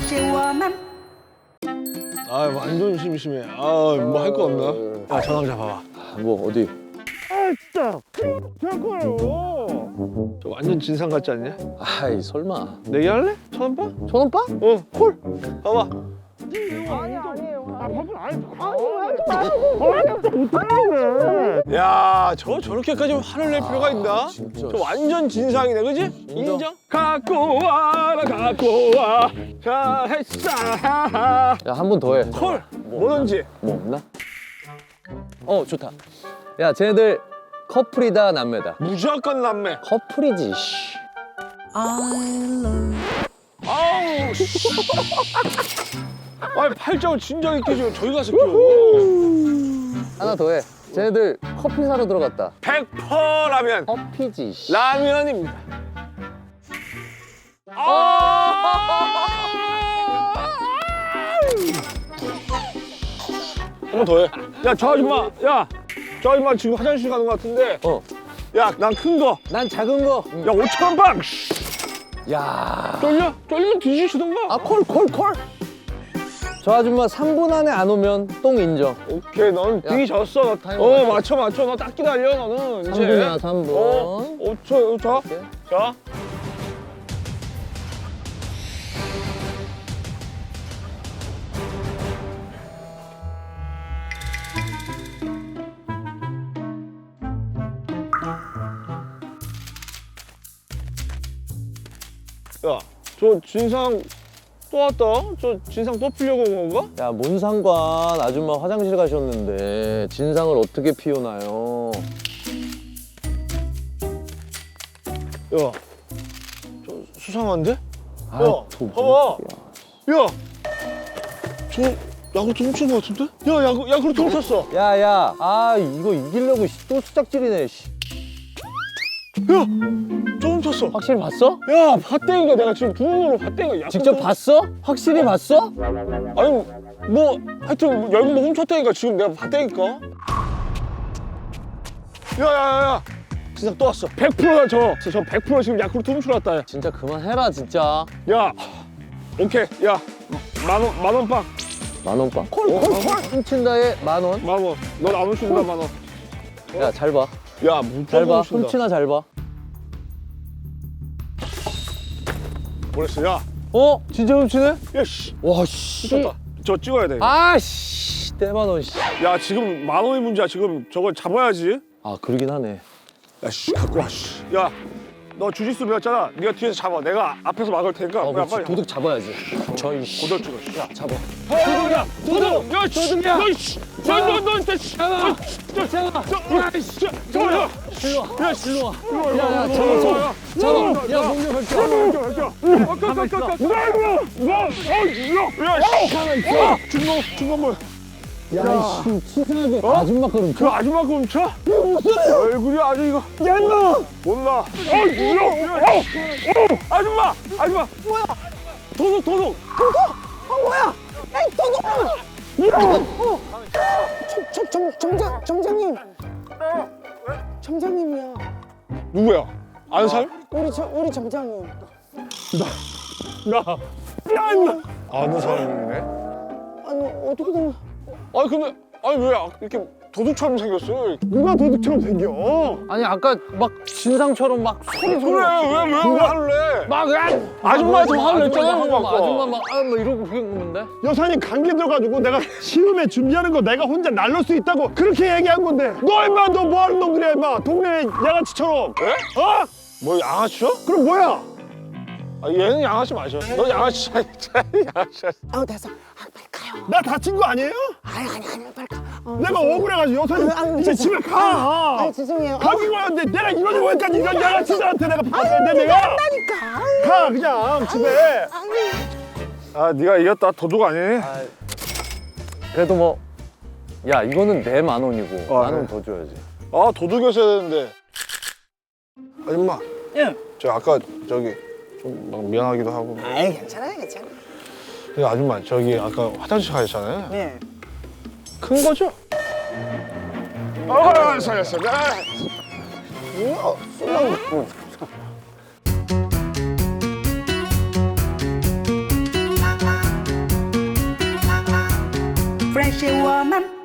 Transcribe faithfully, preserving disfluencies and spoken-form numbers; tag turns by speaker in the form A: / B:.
A: 아 완전 심심해. 아뭐 할 거 없나? 야 전화 잡아봐.
B: 뭐 어디?
A: 아 진짜 잠깐요. 저 완전 진상 같지 않냐?
B: 아이 설마.
A: 내기할래? 천 원 빠?
B: 천 원 빠?
A: 어 콜. 봐봐.
C: 아니 아니에요. 아 밥은 아니.
A: 야, 저 저렇게까지 화를 낼 필요가 있나?
B: 진짜.
A: 저 완전 진상이네, 그지?
B: 인정.
A: 인정? 갖고 와라, 갖고 와. 자, 했어.
B: 야 한 번 더 해.
A: 콜. 뭐든지.
B: 뭐 없나? 어 좋다. 야 쟤네들 커플이다 남매다.
A: 무조건 남매.
B: 커플이지. 씨.
A: 아우, 씨. 아니, 팔짱을 진작 있게 지금 저기 가서 끼워.
B: 하나 더 해. 쟤네들 커피 사러 들어갔다.
A: 백 퍼센트 라면.
B: 커피지. 씨.
A: 라면입니다. 아! 한 번 더 해. 야, 저 아줌마, 야, 저 아줌마 지금 화장실 가는 것 같은데.
B: 어.
A: 야, 난 큰 거.
B: 난 작은 거.
A: 야, 오천 원 방.
B: 야.
A: 쫄려? 쫄리면 뒤지시던가.
B: 아 콜 콜 콜. 저 아줌마 삼 분 안에 안 오면 똥 인정.
A: 오케이, 너는
B: 야,
A: 뒤졌어. 너,
B: 타이머
A: 어,
B: 맞춰.
A: 맞춰, 맞춰. 너 딱 기다려, 너는. 이제.
B: 삼 분이야 삼 분.
A: 어, 오 초, 자,
B: 오케이.
A: 자. 야, 저 진상 또 왔다? 저 진상 또 피려고 온 건가?
B: 야, 뭔 상관. 아줌마 화장실 가셨는데 진상을 어떻게 피우나요?
A: 야, 저 수상한데?
B: 아,
A: 야,
B: 또
A: 봐봐.
B: 뭐야.
A: 야, 저 야구르트 훔친 거 같은데? 야, 야구, 야구르트 훔쳤어.
B: 야, 야. 아, 이거 이기려고 씨, 또 수작질이네. 씨.
A: 야, 저 훔쳤어.
B: 확실히 봤어?
A: 야, 봤다니까. 내가 지금 두 눈으로 봤다니까. 야구르트
B: 직접 봤어? 확실히 봤어?
A: 아니, 뭐 하여튼 열고 뭐 훔쳤다니까. 지금 내가 봤다니까. 야, 야, 야, 야. 진상 또 왔어. 백 퍼센트야 저. 저 백 퍼센트 지금 야쿠르트 훔치러 왔다.
B: 진짜 그만해라, 진짜.
A: 야, 오케이. 야, 만 원, 만 원 빵.
B: 만 원 빵. 콜,
A: 어,
B: 콜,
A: 어,
B: 콜. 훔친다에 만 원.
A: 만 원. 넌 안 훔친다, 만 원.
B: 야, 잘 봐.
A: 야, 무조건
B: 잘 봐.
A: 훔친다.
B: 훔치나 잘 봐.
A: 뭐랬어? 야,
B: 어? 진짜 훔치네?
A: 야, 씨.
B: 와, 씨.
A: 훔쳤다. 저 찍어야 돼.
B: 아, 씨. 떼만 원, 씨.
A: 야, 지금 만 원이 문제야. 지금 저걸 잡아야지.
B: 아, 그러긴 하네.
A: 야, 씨, 갖고 와, 씨. 야, 너 주짓수 배웠잖아. 네가 뒤에서 잡아. 내가 앞에서 막을 테니까.
B: 어,
A: 야,
B: 그렇지.
A: 빨리.
B: 도둑 잡아야지. 저이 씨.
A: 고들 찍어.
B: 야, 잡아.
A: 도둑이야! 도둑! 야, 씨!
B: 도둑이야!
A: 너, 씨! 너, 너, 너, 너, 씨!
B: 잡아!
A: 저,
B: 잡아!
A: 저, 야, 씨! 저, 야!
B: 일로 와.
A: 야, 씨!
B: 일로 와.
A: 야,
B: 야, 야,
A: 야,
B: 잡아, 잡아.
A: 야,
B: 잡아. 야, 공격 할게.
A: 가만 있어. 나 이거! 나! 어, 야! 야, 씨!
B: 가만 있어.
A: 중공, 중공물.
B: 야, 씨, 치사하게 아줌마 걸음
A: 그 아줌마 그 훔쳐? 얼굴이 아주 이거. 야, 인마! 몰라. 어, 이거! 야, 어! 어! 아줌마! 아줌마! 뭐야? 도둑, 도둑!
C: 정, 정, 정장, 정장님. 정장님이야.
A: 누구야? 아는 사람?
C: 우리 저, 우리 정장님.
A: 나. 야, 인마! 아는 사람이네?
C: 아니 어떻게 된?
A: 아니 근데 아니 왜 이렇게 도둑처럼 생겼어? 누가 도둑처럼 생겨?
B: 아니, 아까 막 진상처럼 막 소리 소리.
A: 그래 왜왜 왜 화를 내?
B: 막, 야!
A: 아줌마한테 화를 냈잖아.
B: 아줌마,
A: 막.
B: 아줌마 막, 아, 막 이러고 그런 건데?
D: 여사님 감기 들어가지고 내가 시음에 준비하는 거 내가 혼자 날릴 수 있다고 그렇게 얘기한 건데 너 임마 너 뭐하는 놈들이야 임마 동네 양아치처럼
A: 에?
D: 어?
A: 뭐 양아치요?
D: 그럼 뭐야?
A: 아, 얘는 양아치 마셔. 너 양아치 양아치.
C: 아 됐어. 아 빨리 가요.
D: 나 다친 거 아니에요?
C: 아니 아니 아니 빨리 가. 어,
D: 내가
C: 죄송해요.
D: 억울해가지고 여사님
C: 아유, 아유,
D: 이제
C: 죄송-
D: 집에 가
C: 아 죄송해요.
D: 감기 걸렸는데 내가 이러지 못까지 이런 양아치들한테 내가 받아야 돼 내가
C: 한다니까.
D: 가 그냥 집에
C: 아니.
A: 아, 네가 이겼다. 도둑 아니니?
B: 아, 그래도 뭐, 야, 이거는 내 만 원이고,
A: 아,
B: 만 원
A: 네.
B: 더 줘야지.
A: 아, 도둑이었어야 되는데. 아줌마.
C: 예.
A: 저 아까 저기 좀 막 미안하기도 하고.
C: 아이 괜찮아요 괜찮아.
A: 근데 아줌마 저기 아까 화장실 가셨잖아요.
C: 네.
A: 큰 거죠? 아, 살렸어. 아.
C: 어, 술랑
E: 不认识我们。